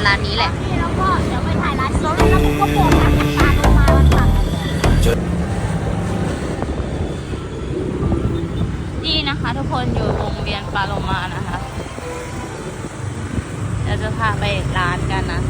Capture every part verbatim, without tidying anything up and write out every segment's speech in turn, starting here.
ร้านนี้แหละแล้วก็เดี๋ยวไปถ่ายร้านโซนแล้วก็โบกทางตาลงมาวันค่ะนี่นะคะทุกคนอยู่โรงเรียนปาโลมานะคะเดี๋ยวจะพาไปร้านกันนะ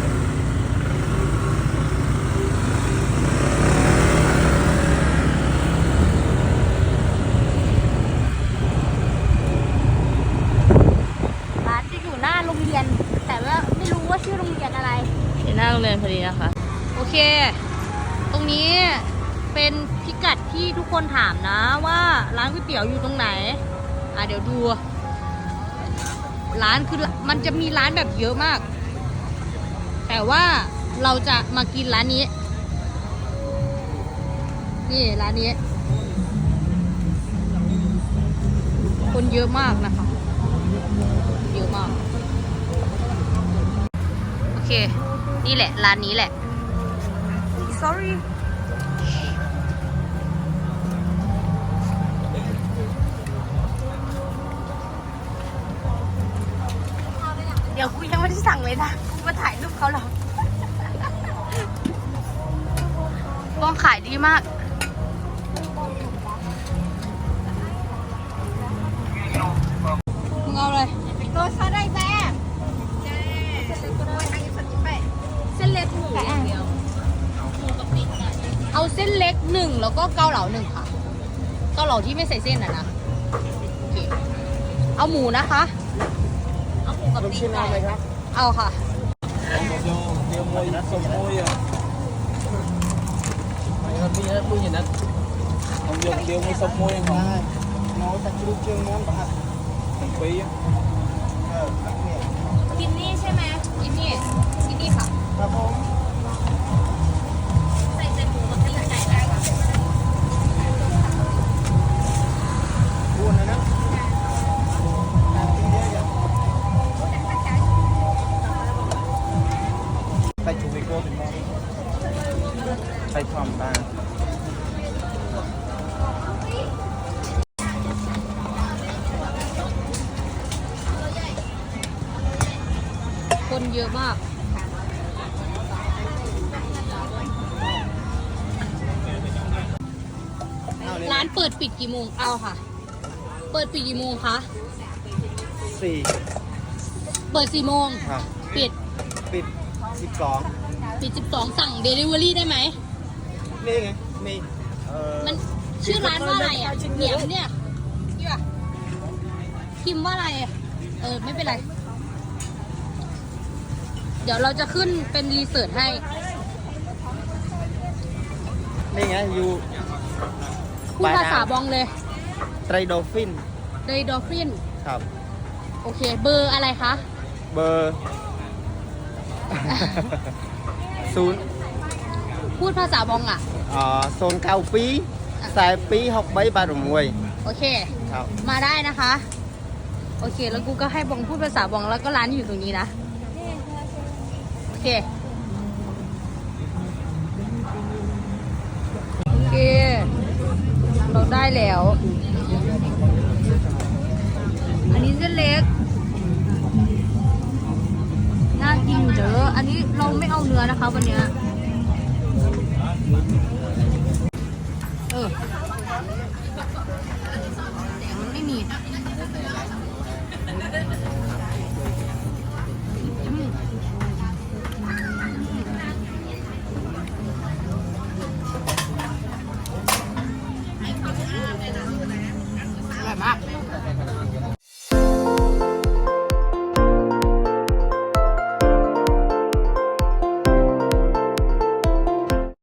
ร้านจะอยู่หน้าโรงเรียนแต่ว่าไม่รู้ว่าชื่อโรงเรียนอะไรที่หน้าโรงเรียนพอดีนะคะโอเคตรงนี้เป็นพิกัดที่ทุกคนถามนะว่าร้านก๋วยเตี๋ยวอยู่ตรงไหนอ่ะเดี๋ยวดูร้านคือมันจะมีร้านแบบเยอะมากแต่ว่าเราจะมากินร้านนี้นี่ร้านนี้คนเยอะมากนะคะเยอะมากโอเคนี่แหละร้านนี้แหละ sorry เดี๋ยวกูยังไม่ได้สั่งเลยนะกูมาถ่ายรูปเขาหรอกกล้องขายดีมากมึงเอาเลยโรสอะไรแม่เส้นเล็กหมูเดียวเอาเส้นเล็กหนึ่งแล้วก็เกาเหลาหนึ่งค่ะเกาเหลาที่ไม่ใส่เส้นอ่ะนะโอเคเอาหมูนะคะเอาหมูกับตีนไก่เอาค่ะเดียวมวยนะสมมวยอ่ะไม่ครับพี่นะพูดอย่างนั้นผมเดียวเดียวมวยสมมวยของน้องตะกรุดเชียงม้วนปะถึงปีกินนี่ใช่ไหมกินนี่กินนี่ค่ะครับผมใส่ใส่หมูกับตีนไก่ได้ค่ะพูดนะนะไปชูวิโก้ถึงมองไปทอมตาคนเยอะมากร้านเปิดปิดกี่โมงเอาค่ะเปิดปิดกี่โมงคะสี่เปิดสี่โมงปิดปิดสิบสองปิดสิบสองสั่งเดลิเวอรี่ได้ไหมนี่ไงมีมันชื่อร้านว่าอะไรอ่ะเหนียมเนี่ยนี่ป่ะพิมพ์ว่าอะไรเออไม่เป็นไรเดี๋ยวเราจะขึ้นเป็นรีเสิร์ชให้นี่ไงอยู่พูดภาษาบองเลยไตรโดฟินไตรโดฟินครับโอเคเบอร์อะไรคะเบอร์ศูนย์พูดภาษาบองอ่ะอ๋อโซนเก้าปีสายปีหกใบบาทมวยโอเคครับมาได้นะคะโอเคแล้วกูก็ให้บองพูดภาษาบองแล้วก็ร้านอยู่ตรงนี้นะโอเคโอเคเราได้แล้วอันนี้เส้นเล็กน่ากินอยู่เด้ออันนี้เราไม่เอาเนื้อนะคะวันนี้เออ